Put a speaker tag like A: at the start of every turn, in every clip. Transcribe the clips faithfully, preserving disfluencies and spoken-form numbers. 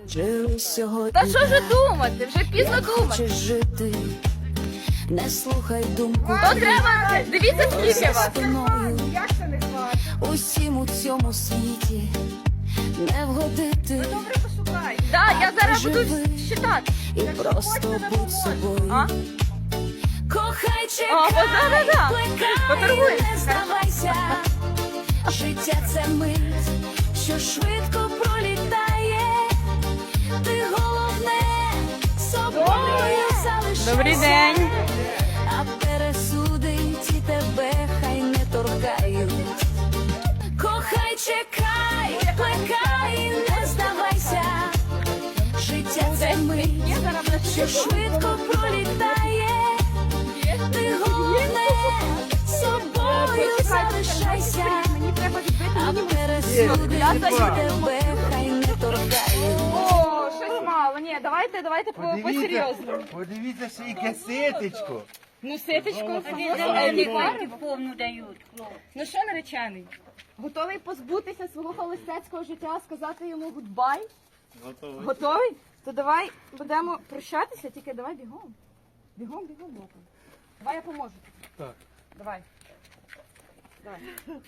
A: Та що ж думати? Вже пізно думати.
B: Жити, не слухай думку.
A: То треба, дивіться, скільки вас.
C: Як це не хватить?
B: Усім у цьому світі не вгодити.
C: Добре пошукай.
A: Так, я зараз буду
B: Живи.
A: читати.
B: І просто будь собою.
A: А?
B: Кохай,
A: А,
B: чекай,
A: да-да-да.
B: плекай,
A: Поторгуй.
B: не здавайся. Життя це мить, що швидко пролітає. Ти головне собою залишайся.
A: Добрий день.
B: А пересуди ті тебе хай не торкають. Кохай, чекай, плекай, не здавайся. Життя це мить, що швидко пролітає. Ти головне собою залишайся.
A: Мені треба відбити.
B: А пересуди
A: Я
B: ті
A: за
B: тебе хай не торкають.
A: О, щось мало. Ні, давайте, давайте по- по-серйозному.
D: Подивіться, ще яке ситечко.
A: Ну, ситочко,
C: повну дають, хлоп.
A: ну що, наречений? Готовий позбутися свого холостяцького життя, сказати йому гудбай? Готовий. Готовий? То давай будемо прощатися, тільки давай бігом. Бігом, бігом, боком. Давай я поможу. Так. Давай. Давай.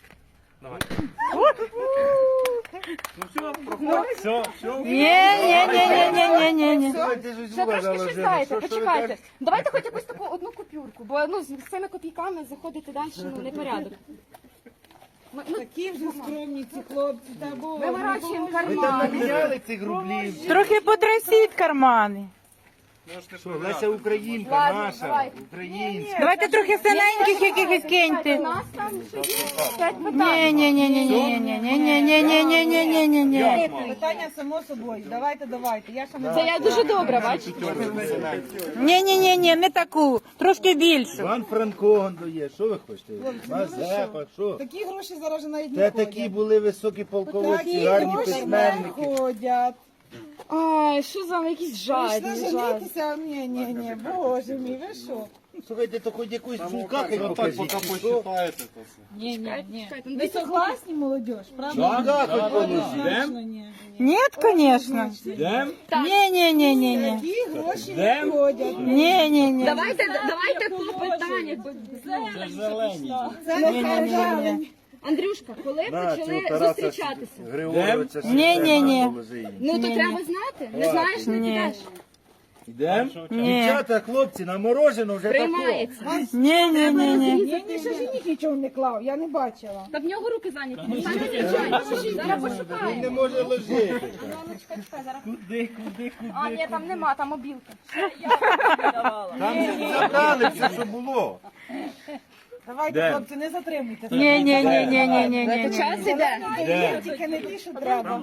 D: Ні-ні-ні-ні-ні-ні.
A: Ще трошки ще знаєте, почекайте. Давайте хоч якусь таку одну купюрку, бо ну, з з цими копійками заходити далі, ну, не порядок. Ми, ну,
C: Такі вже скромні ці хлопці, та бо.
A: виворачуємо
D: Ви там
A: кармани.
D: наміняли цих рублів.
E: Трохи потрясіть кармани.
D: Що, Леся Українка
A: Ладно,
D: наша,
A: давай.
D: українська.
E: Давайте трохи синеньких якихось киньте.
A: У нас там ще є п'ять
E: Ні,
A: питань.
E: ні, ні, ні, ні, ні, ні, ні, ні, ні, ні, ні, ні, ні, ні.
C: Питання само собою. Давайте, давайте. Я ще не
A: Це я дуже добра, бачите?
E: Ні, ні, ні, ні, не таку, трошки більшу.
D: Іван Франко он дає. Що ви хочете? Мазепа, що?
C: такі гроші зараз вже навіть
D: Це
C: не
D: такі
C: ходять.
D: були високі полководці,
C: Такі
D: гарні
C: гроші не
D: письменники.
C: ходять.
A: Ай, що за вами якісь
C: Прийшли
A: жадні, жадні.
C: женитися, ні, ні, ні, боже мій, ви що?
D: Слухайте, то хоч якусь чулка хай покажіть. Що?
C: Ви согласні, молодь, правда?
D: Чулка хоч положіть.
C: Однозначно ні.
E: Ні, звісно. Ні, ні, ні, ні, ні.
C: Такі гроші не ходять.
E: Ні, ні, ні.
A: Давайте, давайте по питаннях.
C: Це не казали.
A: Андрюшка, коли
D: На,
A: почали
D: цього Тараса
A: зустрічатися?
D: Григоровича
E: Ні, ні, ні.
D: положи їй.
A: Ну, то треба знати. Не знаєш, не
E: Ні.
A: підеш.
D: Йдемо?
E: Ні.
D: Дівчата, хлопці, на мороженое вже тако.
A: Приймається.
E: Ні, ні, ні, ні.
C: Ні, ні, ще жених нічого не клав, я не бачила.
A: Та в нього руки зайняті. Він сам зустрічається. Зараз
D: Він не
A: пошукаємо.
D: може ложити.
A: Ну, чекай, чекай, зараз. Куди, куди, куди? А, ні, там нема, там обілка.
D: Там забрали все, що було.
C: Давайте, хлопці, не затримуйте.
E: Ні, ні, ні, ні, ні, ні, ні.
A: Час іде.
C: Є, тільки не ті, що треба.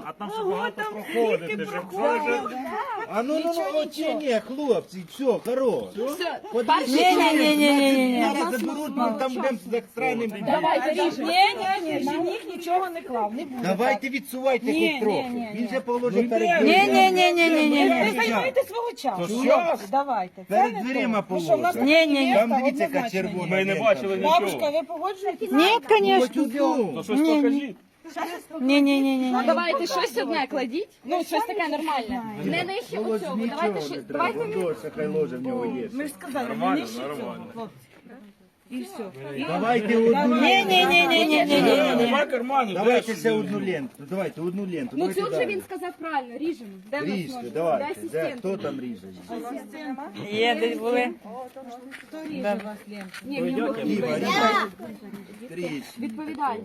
D: А ну, ну, ну, ні, ні, хлопці, все, хорош.
A: Все,
D: Подивіться,
E: Ні, ні, ні, ні, ні, ні, ні.
D: нас заберуть, ми там будемо з екстренним.
A: давайте ріжемо.
C: Ні, ні, ні, жених нічого не клав, не буде.
D: Давайте відсувайте
C: Ні,
D: хоч трохи.
C: ні, ні,
D: Він же положив перед
E: Ні,
D: дверима.
E: ні, ні, ні, ні, ні.
C: Ви займайте свого часу.
D: що?
C: Хлопці, давайте. Це
D: Перед
C: не
D: дверима
C: то. Ну що, в нас
D: положить.
C: такі
E: Ні, ні, ні.
D: Там
C: міста
D: дивіться, яка
C: однозначно ні.
D: червона. Ми не бачили
C: Бабушка, ви погоджуєтесь?
E: Ні, звісно.
D: Хоч одну.
E: Ні, ні. Ні, ні, ні, ні.
A: Ну, давайте щось одне кладіть. Ну, щось таке нормальне. Не нижче
D: Ось
A: оцього.
D: нічого
A: Давайте
D: не
A: щось.
D: треба.
A: Давайте
D: Дорся, хай ложе в нього є.
C: Ми ж сказали, не нижче цього, хлопці. І все.
D: Давайте одну
E: Ні, ні, ні, ні, ні, ні, ні, ні.
D: Давайте ще одну ленту. Давайте одну ленту.
A: Ну,
D: Давайте
A: цю вже
D: далі.
A: він сказав правильно. Ріжемо. Де в нас
D: Ріжте,
A: ножик?
D: давайте.
A: Де
D: Де?
A: асистент?
D: Хто там ріже?
E: Є, десь були.
C: Хто ріже вас, Лен?
A: Ні, в нього
D: Діва,
A: руки.
D: ріже. Тріч.
A: Відповідально.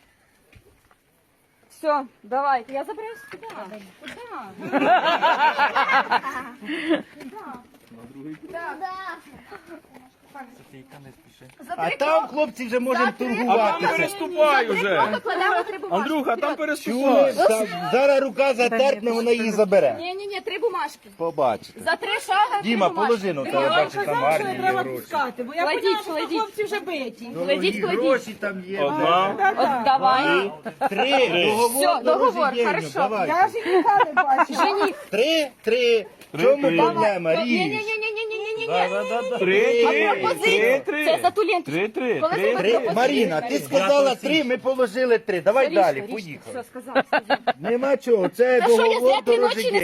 A: Все, давайте. Я забираю сюди. Куди?
D: А там хлопці вже можемо торгуватися.
F: Переступай уже.
A: Покладемо три бумажки.
F: Андрюха, там
D: Чули?
F: переступай.
D: Там зараз рука затерпне, вона її забере.
A: Ні, ні, ні, три бумажки.
D: Побачите.
A: За три шага три
D: Діма,
A: бумажки.
D: положи, ну
C: Я
D: тебе
C: вам
D: бачиш, там
C: казав, що не
D: гарні
C: треба
D: гроші.
C: пускати, бо я
A: Кладіть,
C: поняла, що
A: кладіть.
C: хлопці вже биті.
A: Кладіть, кладіть.
D: Гроші там є.
F: Одна.
A: От давай.
D: Три. Договор
A: Все, договор,
D: дорожній
A: хорошо.
D: давай.
C: Я жениха не бачила.
A: Жених.
D: Три, три. В чому
F: три.
D: проблема?
A: Ні, ні, ні,
D: Ріж.
A: ні, ні, ні, ні, ні.
F: Три,
A: А
F: три,
A: пропозиція?
F: три,
A: Це
F: три.
A: за ту ленту.
F: Три, три,
A: Коли
F: три.
A: зробити
D: Три.
A: пропозицію?
D: Маріна, ти сказала три, ми положили три. Давай
A: Ріжте,
D: далі,
A: ріжте.
D: поїхали.
A: Все, сказав, сказав.
D: Нема чого, це
A: Та що, я
D: договор
A: зря три ночі
D: дорожній.
A: не